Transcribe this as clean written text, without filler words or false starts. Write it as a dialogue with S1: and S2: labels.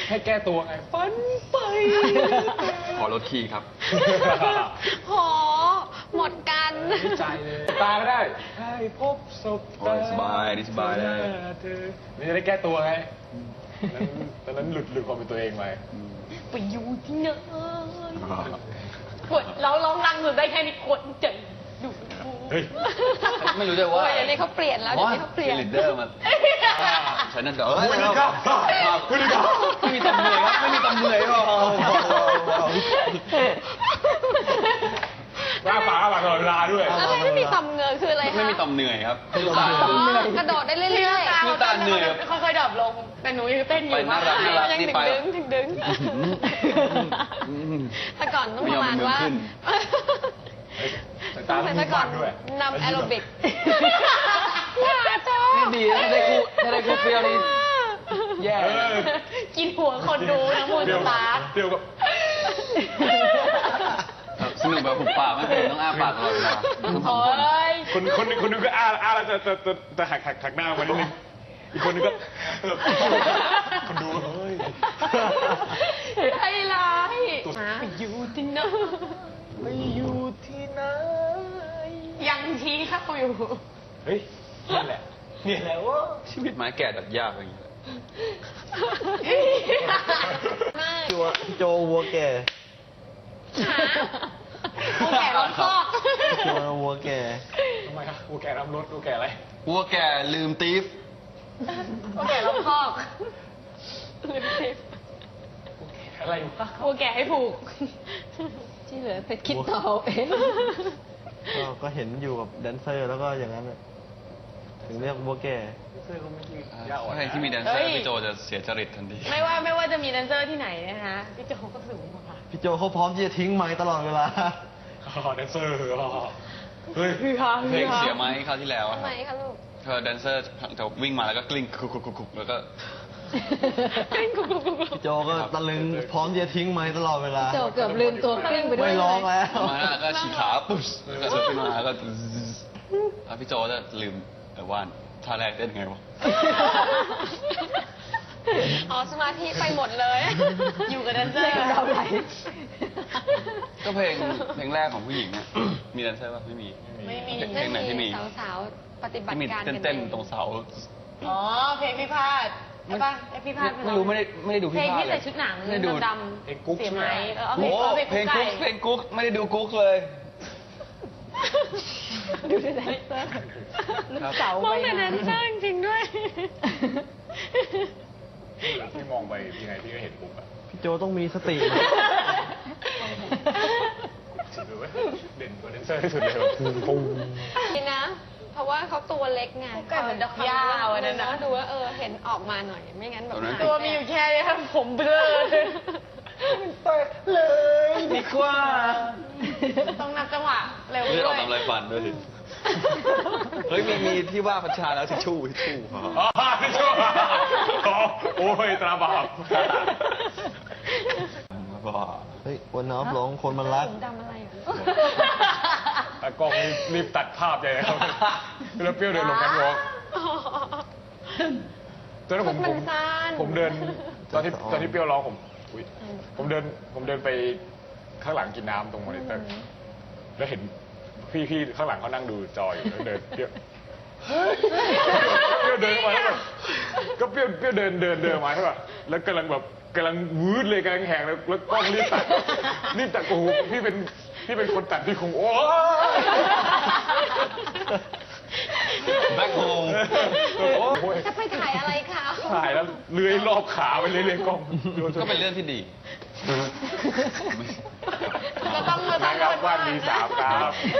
S1: ให้แก้ตัวไงฝันไป
S2: ขอลดคีย์ครับ
S3: โหหมดกัน
S1: ดีใจเลยตาก็ได้ให้พบศพ
S2: โอ้ยสบายดีสบายเลย
S1: เธอนี่จะได้แก้ตัวไงตอนนั้นหลุดความเป็นตัวเองไป
S3: ไปอยู่ที่ไหนกดเราร้องรังสุดได้แค่นี้กดใจดู
S1: เฮ้ย
S2: ไม่รู้จะว่า
S3: โอ้ยเดี๋ยวนี้เขาเปลี่ยนแล้วเดี๋ยวนี้เขาเปลี่ยน
S2: ลีดเดอร์มาฉันนั่นเด้อ
S1: คุณดีครับคุณดีครับ
S2: ไม่มีตำเหนื่อยครับไม่มีตำเหนื่อยหรอก
S1: หน้าฝาตลอดเวลาด้วย
S3: แล้วไม่มีต่อมเหงือคืออะไรคะ
S2: ไม่มีตำเหนื่อยครับ
S3: กระโดดได้เรื่อยๆ
S2: น้ำตาเหนื่อยครับ
S3: ค่อยๆดรอปลงแต่หนูยังเต้นอยู่
S2: ไปน่ารักน่ารัก
S3: ยัง
S2: นี่
S3: ถึง
S2: ไป
S3: ดึงถึงดึงแต่ก่อนต้องประมาณว่า
S1: ตา
S3: แต่ก่อน
S1: ด้วย
S3: นำแอโรบิก
S2: นี่ดีนะถ้าได้คู่เปรี้ยวนี่แย่
S3: กินหัวคนดูนะมูนสตาร์
S1: เปรี้ยวกับ
S2: สนุกแบบหุบปากไม่เป็นต้องอ้าปากตลอดเวลา
S3: โอ้ย
S1: คนนึงก็อ้าแล้วจะหักหน้ามานิดนึงอีกคนนึงก็คนดูเฮ้ย
S3: ไอ้ร้ายไปอยู่ที่ไหน
S1: ไปอยู่ที่ไหน
S3: ยังชี้เข้าอยู่
S1: เฮ้ยนี่แหละนี่แหละว่า
S2: ชีวิตไม้แก่ดัดยากอย่างนี้
S4: โจวัวแก่
S3: กูแก่ล้อมคอก
S4: โจวัวแก่
S1: ทำไมครับกูแก่รับรถกูแก่อะไร
S2: วัวแก่ลืมตีฟ
S3: กูแก่ล้อมคอกลืมสิ
S1: อะไรวะ
S3: กูแก่ให้ผูก ที่เหลือไปคิดต่อเอาเอง
S4: ก็เห็นอยู่กับแดนเซอร์แล้วก็อย่างนั้นน่ะถึงเรียกวัวแก่
S1: เสื้อก็ไม่ยืดยาวอ่อน
S2: ใครที่มีแดนเซอร์พี่โจจะเสียจริตทันที
S3: ไม่ว่าจะมีแดนเซอร์ที่ไหนนะคะพี่โจก็สูงกว่า
S4: พี่โจเขาพร้อมที่จะทิ้งไม้ตลอดเวลา
S1: แดนเซอร์เฮ้ย
S3: คือฮา
S2: เพลงเสียไหมคราวที่แล้วอะ
S3: ทำ
S2: ค
S3: ไม
S2: รับ
S3: คะลูก
S2: เธอแดนเซอร์จะวิ่งมาแล้วก็กลิ้งคุกแล้วก็
S4: พี่โจก็ตะลึงพร้อมที่จะทิ้งไม้ตลอดเวลา
S3: โจเกือบลืมตัวกลิ้งไปด้วย
S4: ไม่ร้องแล้ว
S2: มาแล้วก็ฉีกขาปุ๊บแล้วก็ขึ้นมาแล้วก็แล้วพี่โจจะลืมว่านท่าแรกเต้นไงวะ
S3: อ๋อสมาธิไปหมดเลย อยู่กับแดนเซอร์เราไหล
S2: ก็เพลงแรกของผู้หญิงเนี่ยมีแดนเซอร์ป่ะไม่มี
S3: ไม่มี
S2: เพลงไหนที่มี
S3: สาวๆปฏิบัติ
S2: ที่มี
S3: การกัน
S2: เต้นๆตรงเสา
S3: อ๋อเพลงพิพาทใช่ป่ะพิพาท
S2: ไม่รู้ไม่ได้ดู
S3: เพ
S2: พี่
S3: ลง
S2: พา
S3: ที่
S2: เล
S3: ใส่
S2: ย
S3: ชุดหนัง
S2: ไม่ได้ดู
S3: ดำ
S1: เพลงกุ๊ก
S3: เสียไหม
S2: โอ้เพลงกุ๊กเพลงกุ๊กไม่ได้ดูกุ๊กเลย
S3: ดูแดนเซอร์ลูกเสามองแต่แดนเซอร์จริงๆด้วย
S1: ที่มองไปยังไงพี่ก็เห็นปุ๊บอะ
S4: พี่โจต้องมีสติ
S1: สุดเลยเว้ยเด่นกว่าแดนเซอร์ที่สุดเลยแบบปุ้ง
S3: นี่นะ เพราะว่าเขาตัวเล็กไง
S5: ไก่เหมือนดอกหญ้าวันนั้นนะ
S3: ก็ดูว่าเห็นออกมาหน่อย ไม่งั้นแบบ
S5: ตัวมีอยู่แค่นี้ครับผมเบลอ
S4: เลยดีกว่า
S5: ต้องนับจังหวะเร็ว
S2: เลือดอ
S5: ด้
S2: อ
S5: ว
S2: ก
S5: ย
S2: ตามไรฟันด้วยสิเฮ้ยมีที่ว่าพัชชาแล้วทิชชู่
S1: อ๋อไม่ชั่วโอ้ยตราบาป
S2: บ้า
S4: เฮ้ยวันน้ำร้องคนมันรัก
S3: ผมดำอะไรอ่ะ
S1: แต่กล้องรีบตัดภาพใหญ่เลยครับแล้วเปรี้ยวเดินลงกันวอล์กตอนนั้น
S3: มันสั้น
S1: ผมเดินตอนที่เปรี้ยวร้องอุ๊ยผมเดินไปข้างหลังกินน้ำตรงมอนิเตอร์แล้วเห็นพี่ข้างหลังเขานั่งดูจออยู่แล้วเดินเปรี้ยวเดินมาแล้วแบบก็เปรี้ยวเดินมาใช่ป่ะแล้วกำลังวืดเลยกำลังแหงแล้วกล้องรีบตัดโอ้โหพี่เป็นคนตัดพี่คงโอ้
S2: แบ็คโฮม
S3: จะไปถ่ายอะไรคะ
S1: ถ่ายแล้วเลื้อยรอบขาไปเรื่อยๆกล้อง
S2: ก็เป็นเรื่องที่ดี
S5: เราต้อง
S1: นะครับว่านมีสามครับ